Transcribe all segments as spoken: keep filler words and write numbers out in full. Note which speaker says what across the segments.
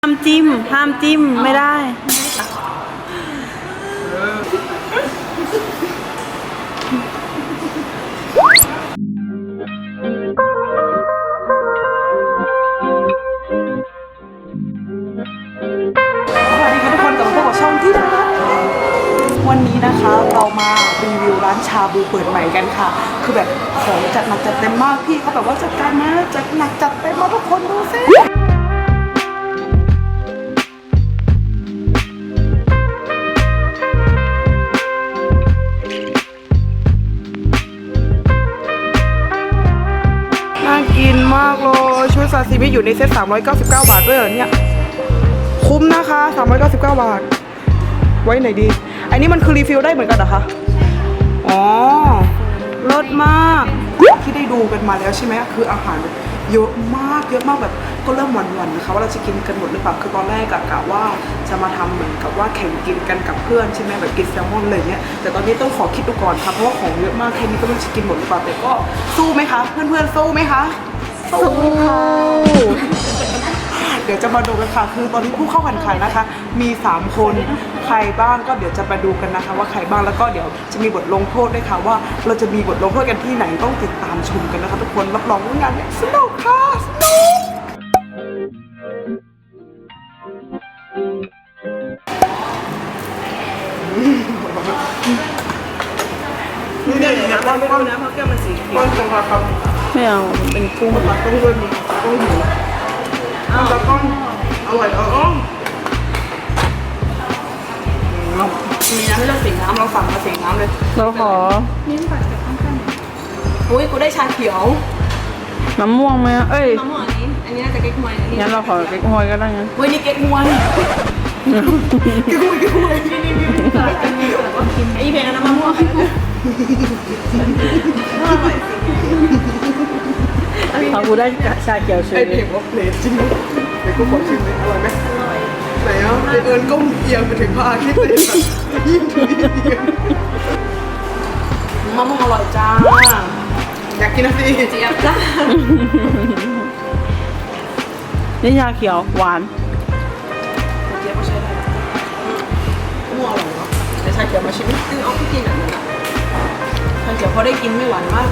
Speaker 1: ห้ามจิ้มห้ามจิ้มไม่ได้
Speaker 2: วันนี้นะคะเรามารีวิวร้านชาบูเปิดใหม่กันค่ะคือแบบของจัดหนักจัดเต็มมากพี่เขาแบบว่าจัดการนะจัดหนักจัดเต็มมาทุกคนดูสิน่ากินมากเลยชุดซาซิมิอยู่ในเซ็ตสามร้อยเก้าสิบเก้าบาทด้วยเหรอเนี่ยคุ้มนะคะสามร้อยเก้าสิบเก้าบาทไว้ไหนดีอันนี้มันคือรีฟิลได้เหมือนกันเหรอคะอ๋อรสมากที่ได้ดูกันมาแล้วใช่ไหมคืออาหารเยอะมากเยอะมากแบบก็เริ่มหวั่นๆนะคะว่าเราจะกินกันหมดหรือเปล่าคือตอนแรกกะกะว่าจะมาทำเหมือนกับว่าแข่งกินกันกับเพื่อนใช่ไหมแบบกินแซลมอนเลยเนี่ยแต่ตอนนี้ต้องขอคิดดูก่อนค่ะเพราะว่าของเยอะมากแค่นี้ก็ไม่รู้จะกินหมดหรือเปล่าแต่ก็สู้ไหมคะเพื่อนๆสู้ไหมคะสู้ค่ะเดี๋ยวจะมาดูกันค่ะคือตอนนี้ผู้เข้าแข่งขันนะคะมีสามคนใครบ้างก็เดี๋ยวจะมาดูกันนะคะว่าใครบ้างแล้วก็เดี๋ยวจะมีบทลงโทษด้วยค่ะว่าเราจะมีบทลงโทษกันที่ไหนต้องติดตามชมกันนะคะทุกคนรับรองว่างานนี้สนุกค่ะสนุกนี่เนี่ยนะก้อนก้อนนะเพราะแก้วมันสีเขียวก้อนจังหวะครับ
Speaker 1: ไม่เอาเป็นกุ้ง
Speaker 2: มันต้องเริ่มต้องหิวแล้วก้อนอร่อยเออมีน้ำให้เราสีน้ำเราสั่งมาสีน้ำเลย
Speaker 1: เราขอ
Speaker 2: อุ้ยกูได้ชาเขียว
Speaker 1: น้ำม่วงไหมเอ้ย
Speaker 3: มะม่วงอันนี้ อันนี้น่าจะเก๊กฮวยอันนี้
Speaker 1: งั้นเราขอเก๊กฮวยก็ได้งั้น
Speaker 2: เว้ยนี่เก๊กฮวยเก๊กฮวยเก๊กฮวยนี่นี่นี่
Speaker 3: ไอ้เพลงอันนั้นมะม่วง
Speaker 1: เอากูได้ชาเขียวเฉ
Speaker 2: ไอย เพลงว่าเพลงจริงเดี๋ยวกูขอชิมเลยอร่อยไหมอร่อยไหนอ่ะไอเอิญก้มเอียงไปถึงพระอาทิตย์เลยยิ่งถึงยิ่งเอียงมะม่วงอร่อยจ้าอยากกินนะสิเจี๊ยบจ้า
Speaker 1: นี่ชาเขียวหวาน
Speaker 2: เจี๊ยบก็ใช้ได้มะม่วงอร่อยเนาะแต่ชาเขียวมาชิมนิดนึงเอาไปกินแบบนั้นอ่ะชาเขียวพอได้กินไม่หวานมาก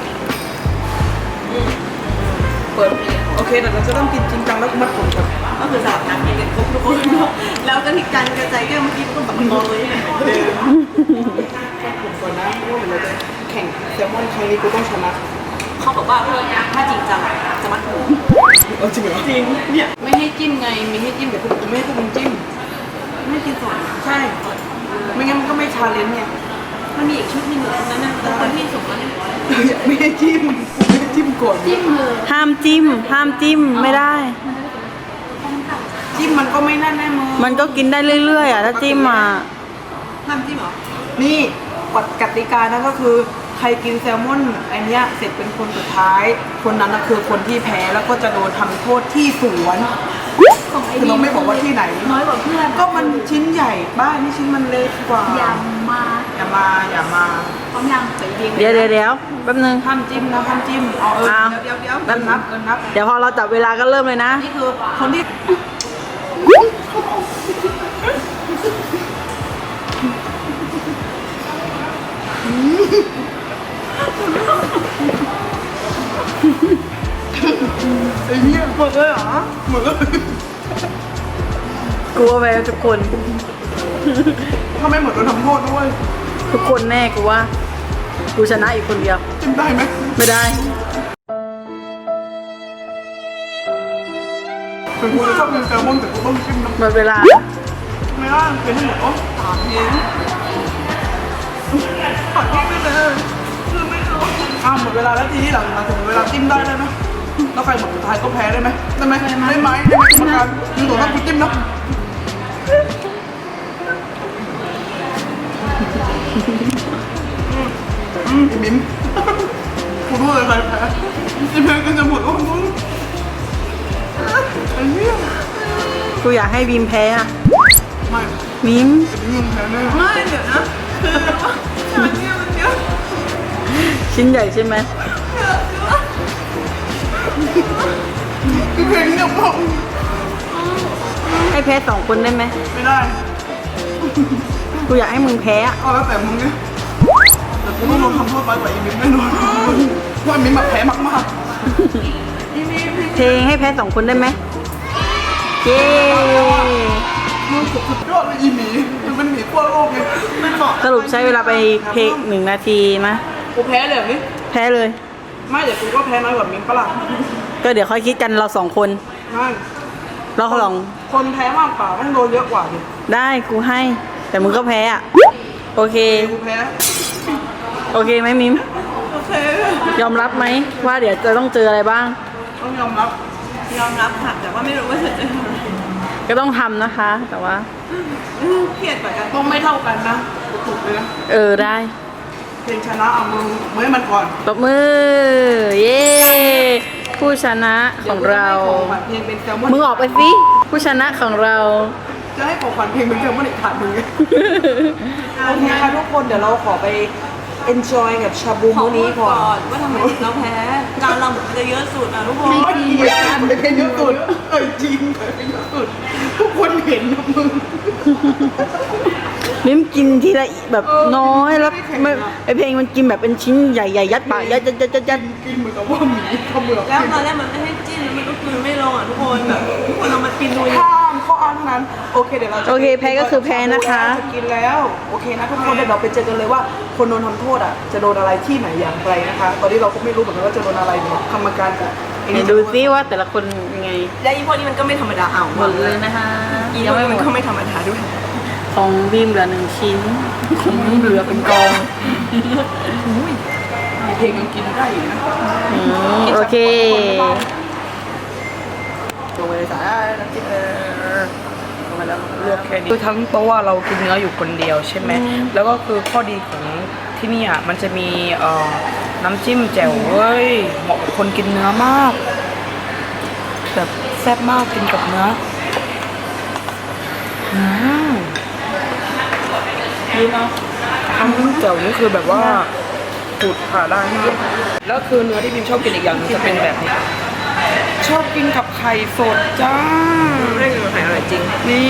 Speaker 2: เปิดโอเคแต่เราจะต้องกินจริงจังแล้วมัดผมก่อน
Speaker 3: ก็คือสลับน้ำกินกันครบทุกคน แล้วก็ทิกการกระจายแก้วเมื่อกี้ก็แบบมองเลย
Speaker 2: เดิมมัดผมก่อนนะเพราะว่าเดี๋ยวเราจะแข่งแซลมอนครั้งนี้กูต้องชนะ
Speaker 3: เขาบอกว่าเพื่อนถ้าจริงจังจะมัดผม
Speaker 2: เออจริงเหรอจริงเนี่ย
Speaker 3: ไม่ให้จิ้มไงมีให้จิ้ม
Speaker 2: เดี๋ยวพวกกูไม่ให้พวกมึงจิ้ม
Speaker 3: ไม่ให้กินสด
Speaker 2: ใช่ไม่งั้นมันก็ไม่ชาเลนจ์เนี่ย
Speaker 3: มันมีอีกชุดหนึงอยู่ตรงนั้นนะแต่คนที่สุกแล้วเนี่ย
Speaker 2: ไม่ให้จิ้มไม่ให้จิ้มก่อน
Speaker 3: จิ้มเลย
Speaker 1: ห้ามจิ้มห้ามจิ้มไม่ได้
Speaker 2: จิ้มมันก็ไม่นั่นแน่มึง
Speaker 1: มันก็กินได้เรื่อยๆอ่ะถ้าจิ้มมา
Speaker 3: น้ำจิ้มเหรอ
Speaker 2: นี่กฎกติกานะก็คือใครกินแซลมอนอันเนี้ยเสร็จเป็นคนสุดท้าย คนนั้นนะคือคนที่แพ้แล้วก็จะโดนทำโทษที่สวน
Speaker 3: ของไอ้
Speaker 2: คือเราไม่บอกว่าที่ไหน
Speaker 3: น้อยกว่าเพื่อน
Speaker 2: ก็มันชิ้นใหญ่บ้านนี่ชิ้นมันเล็กกว่า
Speaker 3: อย่ามา
Speaker 2: อย่ามาอย่ามา
Speaker 3: พร้อมยังไปเรียง
Speaker 1: เดี๋ยวเดี๋ยวเดี๋ยวแป๊บนึง
Speaker 2: ห้ามจิ้มนะห้ามจิ้มเอาเออ
Speaker 1: อ่ะ
Speaker 2: เดี๋ยวเดี๋ยวเดี๋ยวเอิญนับเอิญนับ
Speaker 1: เดี๋ยวพอเราจับเวลาก็เริ่มเลยนะ
Speaker 2: นี่คือคนที่ไอ้เนี่ยหมดเลยเหรอหมดเลย
Speaker 1: กลัวไปทุกคน
Speaker 2: ถ้าไม่หมดโดนทำโทษด้วย
Speaker 1: ทุกคนแน่กูว่า กูชนะอีกคนเดียว
Speaker 2: จิ้มได้ไหม
Speaker 1: ไม่ได้
Speaker 2: ถึงกูจะชอบกินแซลมอนแต่กูต้องจิ้มน้ำ
Speaker 1: หมดเวลา
Speaker 2: ไม่ได้เป็นให้หมดอ๋อสามเองขอจิ้มไม่เลยคือไม่รู้อ้าวหมดเวลาแล้วทีนี้หลังมาถึงเวลาจิ้มได้เลยไหมแล้วใครหมดสุดท้ายก็แพ้ได้ไหมได้ไหมได้ไหมได้ไหมกรรมการมึงตัวต้องกูจิ้มนะอืมไอ้มิ้มกูรู้เลยใครแพ้จิ้มแพ้กันจะหมดโอ้โหไอ้เนี่ย
Speaker 1: กูอยากให้บีมแพ้อะ
Speaker 2: ไม่
Speaker 1: มิม
Speaker 2: ไอ้มิ้มมึงแพ้แน่ไม่เดี๋ยวนะคือว่าชาเนี่ยมันเยอะ
Speaker 1: ชิ้นใหญ่ใช่ไหม
Speaker 2: คือเพลงเนี่ยผม
Speaker 1: ให้แพ้สองคนได้ไหม
Speaker 2: ไม่ได้
Speaker 1: กูอยากให้มึงแพ้อะ
Speaker 2: เอาแล้วแต่มึงไงแต่กูต้องโดนทำโทษน้อยกว่าอีมิมแน่นอนเพราะอีมิมแบบแพ้มากๆอีมิม
Speaker 1: เพลงให้แพ้สองคนได้ไหมเย้
Speaker 2: มึงสุดยอดเลยอีหมีมันเป็นหมีขั้วโลกไงไม่เหมาะ
Speaker 1: สรุปใช้เวลาไปเพลงหนึ่งนาทีนะ
Speaker 2: กูแพ้เลยแบบนี้
Speaker 1: แพ้เลย
Speaker 2: ไม่เดี๋ยวกูก็แพ้น้อยกว่ามิมปะล่ะ
Speaker 1: ก็เดี๋ยวค่อยคิดกันเราสองคน
Speaker 2: ไม่
Speaker 1: เราสอง
Speaker 2: คนแพ้มากกว่าต้องโดนเยอะกว่าดิ
Speaker 1: ได้กูให้ แต่มึงก็แพ้อะโอเค
Speaker 2: กูแพ้
Speaker 1: โอเคไหมมิม
Speaker 2: โอเค
Speaker 1: ยอมรับไหมว่าเดี๋ยวจะต้องเจออะไรบ้าง
Speaker 2: ต้องยอมรับ
Speaker 3: ยอมรับค่ะแต่ว่าไม่รู้ว่าจะเจออะไร
Speaker 1: ก็ต้องทำนะคะ แต่ว่า
Speaker 3: เครียดกว่ากัน
Speaker 2: ต้องไม่เท่ากันนะกูถูกเลยนะ
Speaker 1: เออได้
Speaker 2: เพลงชนะเอามือมือให้มันก่อน
Speaker 1: ตบมือ เย้ผู้ชนะของเรา
Speaker 2: ดี๋ยวกูจะให้ของขวัญเพลงเป็นแซลมอน
Speaker 1: มึงออกไปสิผู้ชนะของเรา
Speaker 2: จะให้ของขวัญเพลงเป็นแซลมอนอีกถาดมึงไงโอเคค่ะทุกคนเดี๋ยวเราขอไป enjoy กับชาบู
Speaker 3: ขอ
Speaker 2: มื้อ
Speaker 3: พู
Speaker 2: นี้
Speaker 3: ด
Speaker 2: ก่
Speaker 3: ก่
Speaker 2: อ
Speaker 3: อน นว่าทำไมถึงเราแพ้การเราเหมือนจะเยอะสุดอ่ะทุกคน
Speaker 2: ไม่เกลียดกันเพลงเยอะสุดเออจริงเพลงเยอะสุดทุกคนเห็นนะมึง
Speaker 1: มิมกินทีละแบบ
Speaker 2: เออ
Speaker 1: น้อยแล้ว
Speaker 2: ไม่แข็ง
Speaker 1: ไม่
Speaker 2: อะ
Speaker 1: ไอเพลงมันกินแบบเป็นชิ้นใหญ่ๆยัดปากยัดยัดยัดยัดยัด
Speaker 2: กินเหมือนกับว่าหมีเขมือบ
Speaker 3: แล้วตอนแรกมันไม่ให้จิ้มแล้วมันก็คือไม่ลงอ่ะทุกคนแบบทุกคนเอามากินดู
Speaker 2: ข้ามข้ออ้างเท่านั้นโอเคเดี๋ยวเราจะ
Speaker 1: โอเคแพ้ก็คือแพ้นะคะ
Speaker 2: จะกินแล้วโอเคนะทุกคนเดี๋ยวเราไปเจอกันเลยว่าคนโดนทำโทษอ่ะจะโดนอะไรที่ไหนอย่างไรนะคะ ตอนนี้เราก็ไม่รู้เหมือนกันว่าจะโดนอะไรเดี๋ยวกรรมการกับไอ้
Speaker 1: เดี๋ยวดูซิว่าแต่ละคนยังไง
Speaker 3: และอีพวกนี้มันก็ไม่ธรรมดาเอา
Speaker 1: หมดเลยนะคะ
Speaker 3: อีพ
Speaker 1: ยั
Speaker 3: ว
Speaker 1: ง
Speaker 3: ก
Speaker 1: ไม่
Speaker 3: นี้
Speaker 1: หม
Speaker 3: มัน
Speaker 1: ด
Speaker 3: ก็ไม่ธรรมดาด้วย
Speaker 1: ของบีมเหลือหนึ่งชิ้นของบีมเหลือเป็นกอง
Speaker 2: เพลงยังกินได้อยู่นะ
Speaker 1: อืมโอเค
Speaker 2: ลงไปเลยสายน้ำจิ้มเออลงไปแล้วเลือกแค่นี้คือทั้งโต๊ะอะเรากินเนื้ออยู่คนเดียวใช่ไหมแล้วก็คือข้อดีของที่นี่อ่ะมันจะมีเอ่อน้ำจิ้มแจ่วเว้ยเหมาะกับคนกินเนื้อมาก แบบแซ่บมากกินกับเนื้ออืม
Speaker 1: ดีเนาะ
Speaker 2: น้ำจิ้มแจ่วนี่คือแบบว่าปูดผ่าได้มากแล้วคือเนื้อที่พิมชอบกินอีกอย่างหนึงจะเป็นแบบนี้ ชอบกินกับไข่สดจ้า
Speaker 3: ไม่กินกับไข่อร่อยจริง
Speaker 2: นี่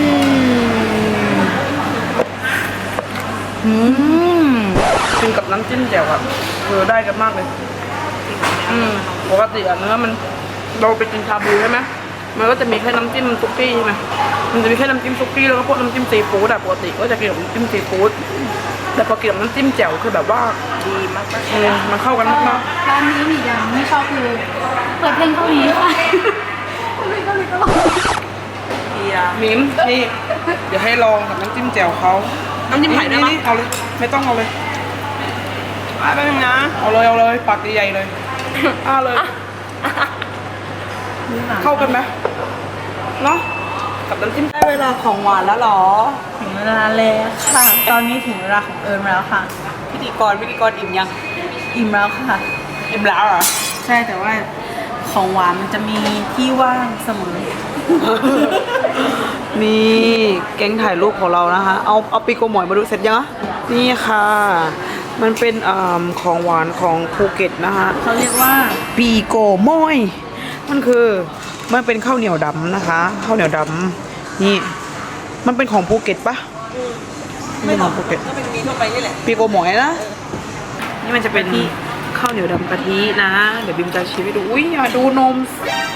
Speaker 2: อืมกินกับน้ำจิ้มแจ่วอะคือได้กันมากเลย อืมปกติอะเนื้อมันเราไปกินชาบูใช่ไหมมันก็จะมีแค่น้ำจิ้มซุกี้ใช่ไหมมันจะมีแค่น้ำจิ้มซุกี้แล้วก็พวกน้ำจิ้มซีฟู้ดอะปกติก็จะกินกับน้ำจิ้มซีฟู้ดแต่พอกินกับน้ำจิ้มแจ่วคือแบบว่าดีมากๆเลยมันเข้ากันมาก
Speaker 4: ร้านนี้มีอย่างไม่ชอบคือเปิดเพลงเกาหลีค่ะเพลงเกาหลีตลอด
Speaker 3: เบียร์
Speaker 2: ๆมิ้มนี่เดี๋ยวให้ลองกับน้ำจิ้มแจ่วเขาน้ำจิ้มไผ่ได้ไหมเอาเลยไม่ต้องเอาเลย
Speaker 3: อ่ะแป๊บนึงนะ
Speaker 2: เอาเลยเอาเลยปากใหญ่ๆเลยอ้าเลย เข้ากันไหมเนาะกับน้ำจิ้ม
Speaker 3: ได้เวลาของหวานแล้วเหรอ
Speaker 1: ถึงเวลาแล้วค่ะ ตอนนี้ถึงเวลาของเอิญแล้วค่ะ
Speaker 3: พิธีกรพิธีกรอิ่มยัง
Speaker 1: อิ่มแล้วค่ะ
Speaker 2: อิ่มแล้วเหรอ
Speaker 1: ใช่แต่ว่าของหวานมันจะมีที่ว่างเสมอ
Speaker 2: นี่แก๊งถ่ายรูปของเรานะคะ เอาเอาปีโกหมอยมาดูเสร็จยังอะนี่ค่ะ มันเป็นอ่าของหวานของภูเก็ตนะคะ
Speaker 1: เขาเรียกว่า
Speaker 2: ปีโกหมอย มันคือมันเป็นข้าวเหนียวดำนะคะข้าวเหนียวดำนี่ มันเป็นของภูเก็ตปะไม่ของภูเก็ต
Speaker 3: ก็เป็นมีทั่วไปนี่แหละ
Speaker 2: ปีโกหมอยนะ นี่มันจะเป็นข้าวเหนียวดำกะทินะ เดี๋ยวบิมจะชิมให้ดู อุ้ยอย่าดูนม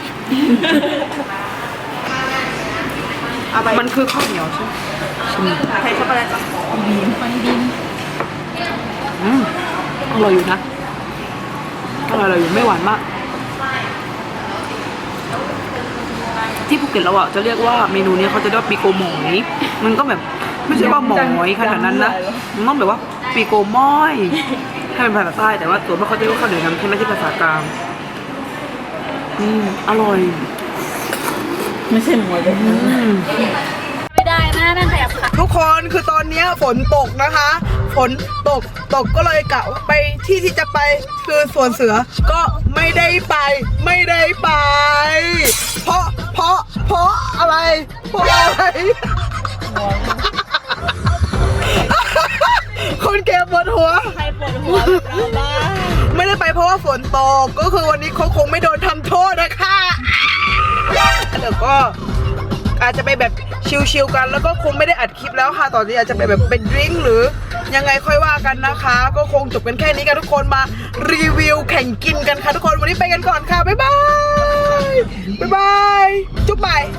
Speaker 2: มันคือข้าวเหนียวใช่ไหมชิม
Speaker 3: ใครช็อกโกแลตปะ
Speaker 2: อืมอร่อยอยู่นะ อร่อยอยู่ไม่หวานมาก ที่ภูเก็ตเราอ่ะจะเรียกว่าเมนูนี้เขาจะเรียกว่าปีโกหมอย มันก็แบบไม่ใช่ว่าหมอยขนาดนั้นนะ มันต้องแบบว่าปีโกหมอยให้เป็นภาษาใต้แต่ว่าส่วนมากเขาจะเรียกว่าข้าวเหนียวดำใช่ไหมที่ภาษากลาง อืมอร่อย
Speaker 1: ไม่ใช่หมวยแบบนั้น
Speaker 4: ไม่ได้นะนั่นแบบค่ะ
Speaker 2: ทุกคนคือตอนนี้ฝนตกนะคะ ฝนตกตกก็เลยกะว่าไปที่ที่จะไปคือสวนเสือก็ไม่ได้ไป ไม่ได้ไป เพราะเพราะเพราะอะไรเพราะอะไร คนเก็บปวดหัว
Speaker 3: ใครปวดหัวแบบเราบ้าง
Speaker 2: ไม่ได้ไปเพราะว่าฝนตกก็คือวันนี้เขาคงไม่โดนทำโทษนะคะเดี๋ยวก็อาจจะไปแบบชิลๆกันแล้วก็คงไม่ได้อัดคลิปแล้วค่ะตอนนี้อาจจะไปแบบเป็นดริงก์หรือยังไงค่อยว่ากันนะคะ ก็คงจบกันแค่นี้กันทุกคนมารีวิวแข่งกินกันค่ะทุกคนวันนี้ไปกันก่อนค่ะบ๊ายบายบ๊ายบายจุ๊บไป